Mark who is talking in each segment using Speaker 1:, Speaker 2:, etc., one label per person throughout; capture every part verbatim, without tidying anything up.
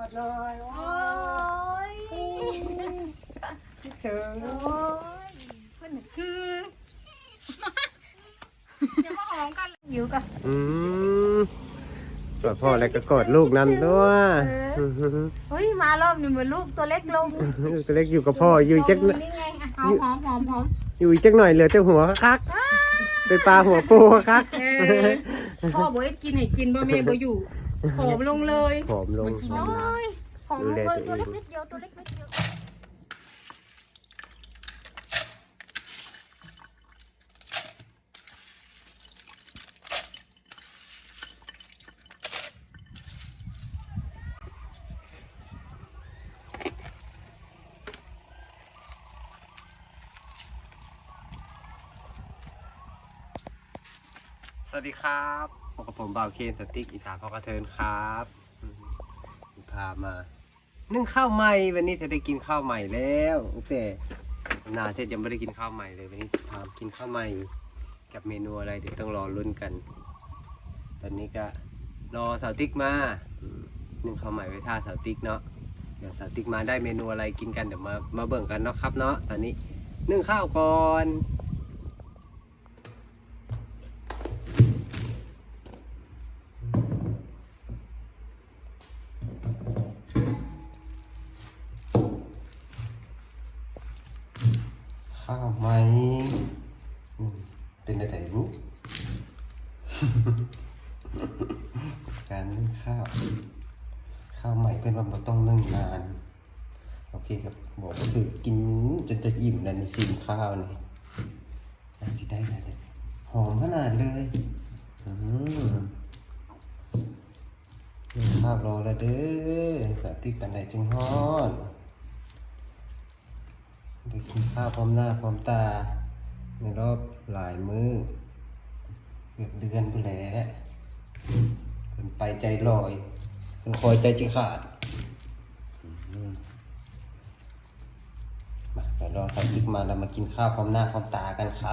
Speaker 1: ดเลยโอ้ยคิดถึงโอ้ยเพื่อนคือจะมาหอมกันอยู่กัน
Speaker 2: อืมกอดพ่อแล้วก็กอดลูกนั่นด้วย
Speaker 1: เฮ้ยมารอบนี้เหมือนลูกตัวเล็กลง
Speaker 2: ตัวเล็กอยู่กับพ่ออยู่จัก
Speaker 1: นี่ไงหอมหอมหอมหอม
Speaker 2: อยู่จักหน่อยเหลือแต่หัวคักไปปลาหัวปูคัก
Speaker 1: พ่อบอกให้กินให้กินบ่แม่บ่อยู่ผอมลงเลย
Speaker 2: ผอมลง
Speaker 1: กินน้อยผอมลงเลยตัวเล็กนิดเดียวตัวเล็กนิดเดียว
Speaker 2: สวัสดีครับพบกับผมบ่าวเคนสติ๊กอีสานพ่อกระเทินครับพามานึ่งข้าวใหม่วันนี้จะได้กินข้าวใหม่แล้วโอเคนาเสร็จยังไม่ได้กินข้าวใหม่เลยวันนี้พากินข้าวใหม่กับเมนูอะไรเดี๋ยวต้องรอลุ้นกันตอนนี้ก็รอสาวติ๊กมานึ่งข้าวใหม่ไว้ท่าสาวติ๊กเนาะเดี๋ยวสาวติ๊กมาได้เมนูอะไรกินกันเดี๋ยวมามาเบิ่งกันเนาะครับเนาะตอนนี้นึ่งข้าวก่อนข้าวไหมเป็นอะไรรู้ การนึ่งข้าวข้าวใหม่เป็นว่าเราต้องนึ่งนานโอเคครับบอกก็คือกินจนจะอิ่มแล้วในซีมข้าวนี่น่าสิได้เลยหอมขนาดเลยอืมนึ่งข้าวรอแล้วเด้อแบบที่ปันไหนจึงฮอดได้กินข้าวพร้อมหน้าพร้อมตาในรอบหลายมื้อเกือบเดือนไปแล้วเป็นไปใจลอยเป็นคอยใจจิขาดมาเดี๋ยวรอสักพักมาเรามากินข้าวพร้อมหน้าพร้อมตากันครับ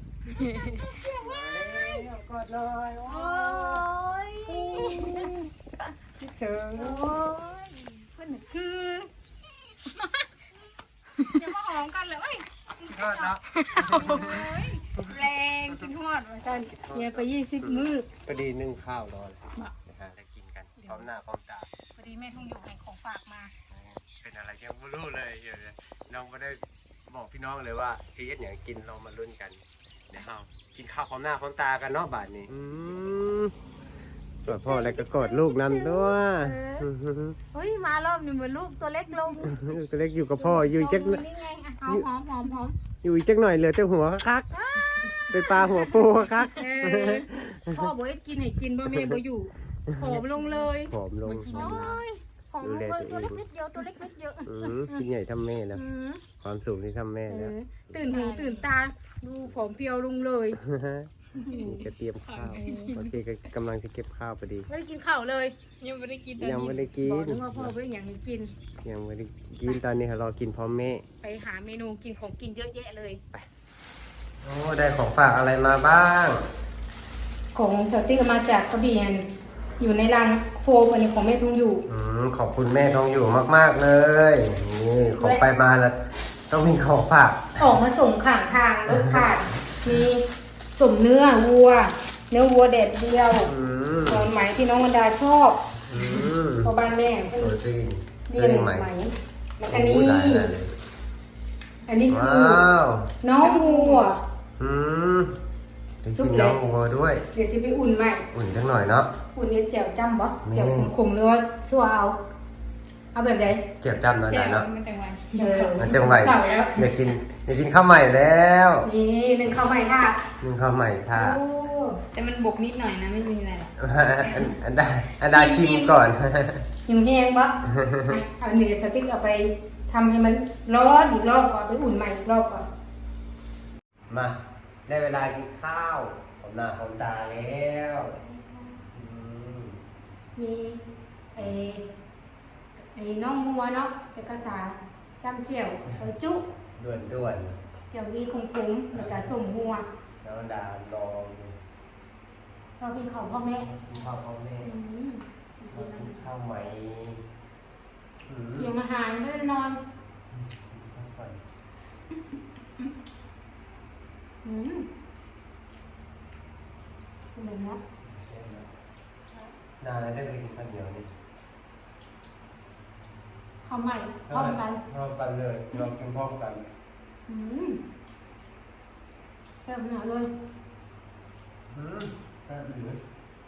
Speaker 1: กอดเลยโอ้ยคิดถึงโอ้ยเพื่อนคือจะมาหอมกันเลย
Speaker 2: ทอดเนาะ
Speaker 1: แรงจนทอดมาสั่นเนี่ยไปยี่สิบมื้อ
Speaker 2: พอดีนึ่งข้าวรอเลยนะฮะได้กินกันพร้อมหน้าพร้อมตา
Speaker 1: พอดีแม่ทุ่งอยู่ให้ของฝากมา
Speaker 2: เป็นอะไรยังไม่รู้เลยเดี๋ยวน้องไม่ได้บอกพี่น้องเลยว่าซีเอสอย่างกินเรามาลุ้นกันเดี๋ยวเรากินข้าวพร้อมหน้าพร้อมตากันเนาะบาทนี้กอดพ่อแล้วก็กอดลูกนั่นด้วย
Speaker 1: เฮ้ยมารอบนี้เหมือนลูกตัวเล็กลง
Speaker 2: ตัวเล็กอยู่กับพ่ออยู่จัก
Speaker 1: นี่ไงหอมหอมหอมหอม
Speaker 2: อยู่จักหน่อยเหลือแต่หัวคักไปปลาหัวปูคัก
Speaker 1: พ่อบอกให้กินให้กินบ่แม่บ่อยู่ผอมลงเลย
Speaker 2: ผอมลง
Speaker 1: กินน้อยผอมลงเลยตัวเล็กนิดเดียวตัวเล็กนิดเดียว
Speaker 2: กินใหญ่ทำแม่แล้วความสูงที่ทำแม่แล้ว
Speaker 1: ตื่นหูตื่นตาดูผอมเพียวลงเลย
Speaker 2: จะเตรียมข้าวโอเคกำลังจะเก็บข้าวพอดี
Speaker 1: ไม่ได้กินข้าวเลย
Speaker 3: ยังไม่ได้กิน
Speaker 2: ยังไม่ได้กิน
Speaker 1: บอกว่าพ่อไม่อยากกิน
Speaker 2: ยังไม่ได้กินตอนนี้รอกินพร้อมแม่
Speaker 1: ไปหาเมนูกินของกินเยอะแยะเลย
Speaker 2: ไปโอ้ได้ของฝากอะไรมาบ้าง
Speaker 1: ของสติ๊กมาจากกระเบียนอยู่ในรังโฟมอันนี้ของแม่ทองอยู่
Speaker 2: อืมขอบคุณแม่ทองอยู่มากๆเลยนี่ของไปมาแล้วต้องมีของฝาก
Speaker 1: ออกมาส่งข้างทางรถผ่านมีสมเนื้อวัวเนื้อวัวเด็ดเดียวตอนไหมที่น้องวรรดาชอบพอบ้านแม่
Speaker 2: ตัวจริง
Speaker 1: เรียนไหมแล้วอันนี้อันนี้คือน้องวัว
Speaker 2: อืมได้กินน้องวัวด้วย
Speaker 1: เดี๋ยวสิไปอุ่นใหม่
Speaker 2: อุ่นจังหน่อยเนาะ
Speaker 1: อุ่นเนี่ยแจ่วจ้ำบ่แจ่วขมๆหรือว่าชั่วเอาเอาแบบไหน
Speaker 2: แจ่วจ้ำหน่อยเนาะ
Speaker 3: มันจังหวะ
Speaker 2: มันจังหวะอยากกินอยากกินข้าวใหม่แล้ว
Speaker 1: นี่หนึ่งข้าวใหม่ค่ะ
Speaker 2: หนึ่งข้าวใหม่ค่ะ
Speaker 3: แต่มันบกนิดหน่อยนะไม่มีอะไรหรอก
Speaker 2: อันดาอันดาชิมก่อน
Speaker 1: ยังแห้งปะเอาเนื้อสติ๊กเอาไปทำให้มันร้อนอีกรอบก่อนไปอุ่นใหม่อีกรอบก่อน
Speaker 2: มาได้เวลากินข้าวผมหน้าผมตาแล้ว
Speaker 1: มีไอ้ไอ้น้องมัวเนาะแต่กระสาจ้ำเจียวซอยจุ
Speaker 2: ด่วนด่วน
Speaker 1: เจียววีคุ้มๆแล้วก็ส้มมัว
Speaker 2: แล้วดาลอง
Speaker 1: เรากินข้าวพ่อแม่
Speaker 2: กินข้าวพ่อแม่กินข้าวใหม่
Speaker 1: ข้าวใหม่พร้อมกัน
Speaker 2: พร้อมกันเลยเรากินพร้อมกัน
Speaker 1: อืมแบบหนาเลย
Speaker 2: อืมแค่เหลือ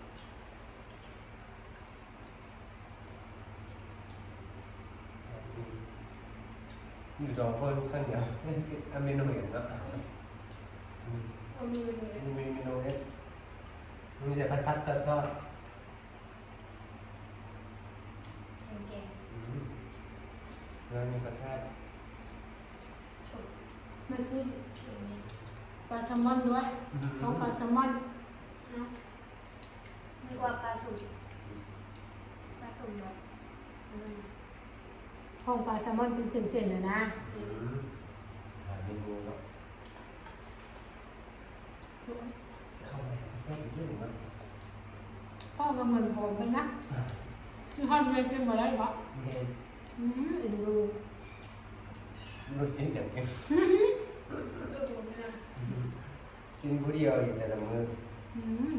Speaker 2: อยู่สองคนข้างเดียวอันเมนูเห็นเนาะ
Speaker 3: เอามีไปเลย
Speaker 2: มีเมนูนี้มีแต่พัดพัดทอดทอด
Speaker 3: เก่ง
Speaker 2: แล้วมีกระชาก
Speaker 3: ๆฉุก
Speaker 1: ไม่ซื้อ
Speaker 3: ฉุกนี่
Speaker 1: ปลาแซลมอนด้วยเขาปลาแซลมอน
Speaker 3: เนาะนึกว่าปลาสุ่มปลาสุ่มแบบอืม
Speaker 1: ของปลาแซลมอนเป็นเส้นๆเลยนะ
Speaker 3: อืม
Speaker 2: หาเมนูเนาะเข้าไปแซ่บอีกเยอะมาก
Speaker 1: พ่อก็เหมือนหอมไปนะที่ห้องเรียนเป็นมาได้ปะ
Speaker 2: เมน
Speaker 1: อืมเอ็นดู
Speaker 2: รู้สึกอย่างกิน
Speaker 3: เออผมไม่ได้
Speaker 2: กินผู้เดียวอยู่แต่ละมื้อ
Speaker 1: อืม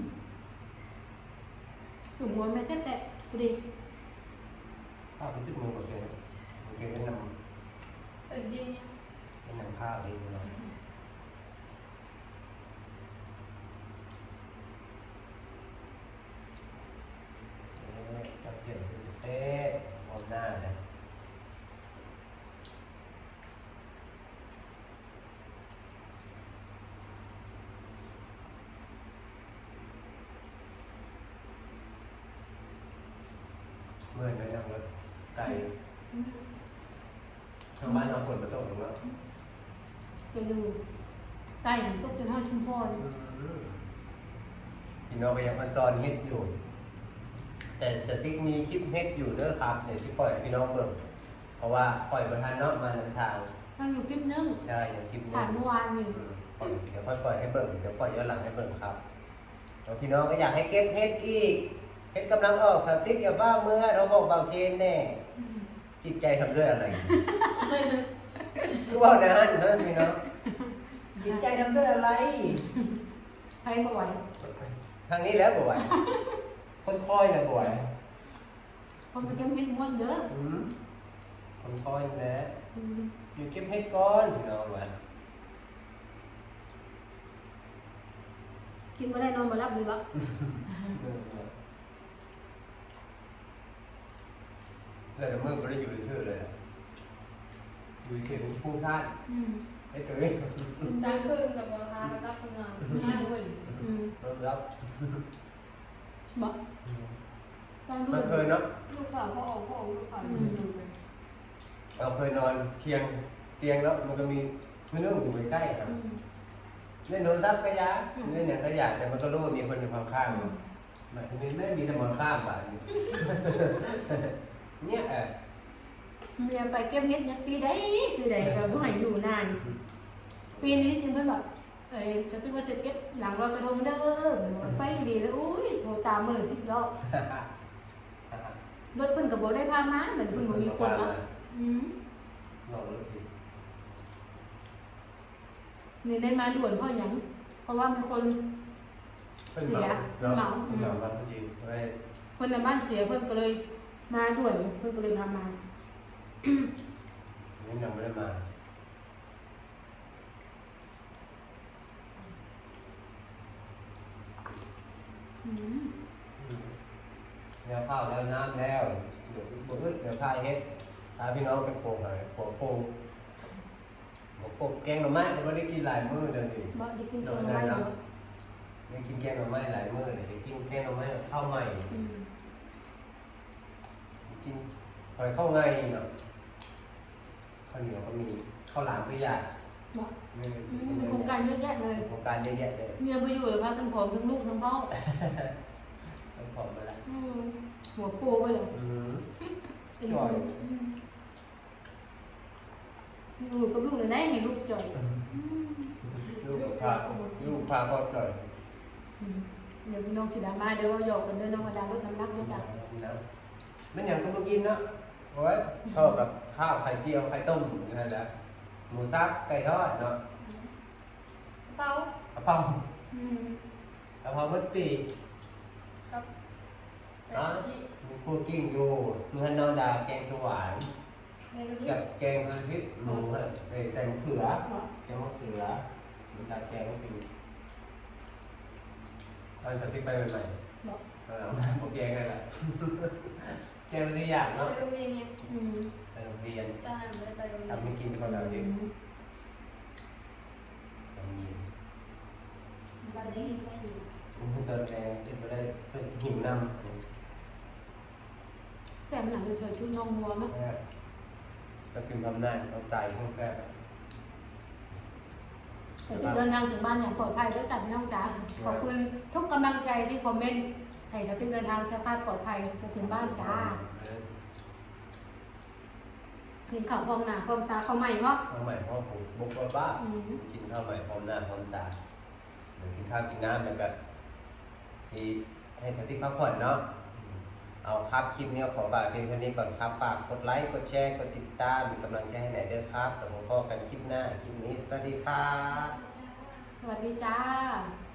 Speaker 1: สูงหัวไม่แซ่บแต่พอดี
Speaker 2: ข้าวไปจุดมือหมดเลยโอเคแนะน
Speaker 3: เออดีเนี่ย
Speaker 2: ำแนะนำข้าวเองเนาะจับเกี่ยวซื้อเซ่พร้อมหน้าเลยเมื่อไหร่นั่งรถไกลทางบ้านเราฝนจะตกหรือเปล่า
Speaker 1: ไปดูไก่ตกจนห้าชุมพร
Speaker 2: พี่น้องก็ยังพันซ้อนเฮ็ดอยู่ แต่จะติ๊กมีคลิปเฮ็ดอยู่เด้อครับเดี๋ยวที่ปล่อยให้พี่น้องเบิ่งเพราะว่าปล่อยประทานเนาะมาในทาง
Speaker 1: ตั้งอยู่คลิปนึง
Speaker 2: ใช่อย่างคลิปนี้
Speaker 1: ผ่านเมื่อวานนี่
Speaker 2: อืมปล่อยเดี๋ยวค่อยปล่อยให้เบิ่งเดี๋ยวปล่อยย้อนหลังให้เบิ่งครับแล้วพี่น้องก็อยากให้เก็บเฮ็ดอีกเฮ็ดกำลังออกสติ๊กอย่าบ้าเมื่อเราบอกบางเทนแน่จิตใจทำด้วยอะไรคือว่านะฮะเฮ้ยพี่น้องจิตใจทำด้วยอะไร
Speaker 1: ใครมาไหว
Speaker 2: ทางนี้แล้วบ่ไหวคนคอยนะบ่ไหว
Speaker 1: คนไปเก็บเห็ดม้วนเด้อ
Speaker 2: อืมคนคอยแล้ว
Speaker 1: อืม
Speaker 2: อยู่เก็บเฮ็ดก่อนพี่น้องว่า
Speaker 1: กินมาได้นอนมารับดีปะ
Speaker 2: แล้วเดี๋ยวมึงก็ได้อยู่ที่เลยอะอยู่ที่เป็นผู้ท่าน
Speaker 1: อืม
Speaker 2: ไอ้ตัวนี้
Speaker 3: จานขึ้นกับราคารับงานง่ายเว้ย
Speaker 1: อืม
Speaker 2: รับรับ
Speaker 1: บอกตั้งด้ว
Speaker 2: มั
Speaker 1: ย
Speaker 2: นเคยเนาะ
Speaker 3: ลูกข่าวพ่อออกพ่อออกลูกข่าวดูเลย
Speaker 2: เราเคยนอนเคียงเตียงแล้วมันก็มีเรื่องอยู่ใกล้ๆครับ
Speaker 1: อืม
Speaker 2: เล่นโทรศัพท์ก็ยาเล่นอย่างก็อยากแต่มันก็รู้ว่ามีคนอยู่ข้างๆมันมันจะมีไม่มีแต่มอนข้ามบ่านี้ เนี่ยเออ
Speaker 1: เมียไปเก็บเห็ดเนี่ยปีใดปีใดก็บ่ให้อยู่นาน ปีนี้จึงเพิ่นแบบเอ้ยจะตึกว่าจะเก็บหลังลอยกระทงเด้อไปดีแล้วอุ้ยโทรตามมือสิบรอบรถเพิ่นก็บ่ได้พามาเหมือนเพิ่นบ่มีคนเนาะอืม
Speaker 2: ลองดูสิ
Speaker 1: นี่ได้มาด่วนเพราะหยังเพราะว่ามีคน
Speaker 2: เพิ่นเหมาเนาะ
Speaker 1: เหมา
Speaker 2: เพิ่นเหมาพอดีไว้
Speaker 1: คนในบ้านเสียเพิ่นก็เลยมาด่วนเพิ่นก็เลยพามา
Speaker 2: นี่ยังไม่ได้มา
Speaker 1: อืม
Speaker 2: แล้วข้าวแล้วน้ำแล้วเดี๋ยวบุอึดเดี๋ยวพาเฮ็ดพาพี่น้องไปโคงหน่อยโคงโคงหมูกบแกงหน่อไม้ก็ไม่ได้กินหลายมื้อเดี๋ยวนี้
Speaker 1: บ่ได้กินตัวอะไรเนาะ
Speaker 2: ได้กินแกงหน่อไม้หลายมื้อเลยได้กินแกงหน่อไม้ข้าวใหม่
Speaker 1: อืม
Speaker 2: กินหอยข้าวไงเนาะข้าวเหนียวก็มีข้าวหลามก็อยาก
Speaker 1: บ่
Speaker 2: นี่
Speaker 1: อืมโครงการเยอะแยะเลย
Speaker 2: โครงการเยอะแยะเลย
Speaker 1: เมียไปอยู่แล้วพาทั้งผอมทั้งลูกทั้งพ่อ
Speaker 2: ต้องขอบมาละ
Speaker 1: อืมหัวโปไปเลย
Speaker 2: อืม
Speaker 1: เป็น
Speaker 2: จ่อย
Speaker 1: อืมอยู่กับลูกเลยได้ให้ลูกจ่อยอืม
Speaker 2: ลูกพาลูกพาพ่อจ่อย
Speaker 1: อืมเดี๋ยวพี่น้องสิดรามาเดี๋ยวว่าหยอกกันเด้อน้องมาดาลดน้ำหนักด้วยจ้ะ
Speaker 2: นะมันอย่างก็มากินเนาะโอ้ยเข้ากับข้าวไข่เจียวไข่ต้มนี่แหละหมูสับไก่ทอดเนาะ
Speaker 3: เป้าก
Speaker 2: ระเพรา
Speaker 1: อืม
Speaker 2: กระเพรามัดปี
Speaker 3: ครับแต่ที่
Speaker 2: มีคั่วกิ้งอยู่มีฮันนอนดาแกงเขียวหวาน
Speaker 3: อแกงกะทิ
Speaker 2: กับแกงกะทิหมูฮะใส่ใส่มะเขือแกงมะเขือมันจะแกงก็เป็นตอนกะทิไปใหม่ๆ
Speaker 1: บอก
Speaker 2: เออพวกแกงนั่นแหละแกงสิอย่าง
Speaker 3: ไป
Speaker 2: เนาะ
Speaker 3: โรงเรียนเนี่ย
Speaker 1: อืม
Speaker 2: ไปโรงเรียน
Speaker 3: จ้างเลยไปโรงเรียน
Speaker 2: ทำให้กินกันเราเองทำเย็น
Speaker 3: บันนี้ไม่อยู่
Speaker 2: มันตอนแรงที่ไม่ได้เพื่อหิวน้ำ
Speaker 1: แซ่บหนังจะเฉยชุดยองงัวมั้ย
Speaker 2: ก็กินทำหน้าเอาตายพวกแก
Speaker 1: แต่ที่เดินทางถึงบ้านอย่างปลอดภัยแล้วจัดพี่น้องจ๋าขอบคุณทุกกำลังใจที่คอมเมนต์ให้สติ๊กเดินทางแคล้วคลาดปลอดภัยมาถึงบ้านจ้ากินข้าวพร้อมหน้าพร้อมตาข้าวใหม่เพราะ
Speaker 2: ข้าวใหม่พ่อผมบุกบ้า
Speaker 1: อืม
Speaker 2: กินข้าวใหม่พร้อมหน้าพร้อมตาเหมือนกินข้าวกินน้ำแบบที่ให้สติพักผ่อนเนาะเอาครับคลิปนี้ขอฝากเพียงเท่านี้ก่อนครับฝากกดไลค์กดแชร์กดติดตามมีกำลังใจให้ไหนเด้อครับแล้วพบกันคลิปหน้าคลิปนี้สวัสดีครับ
Speaker 1: สวัสดีจ้า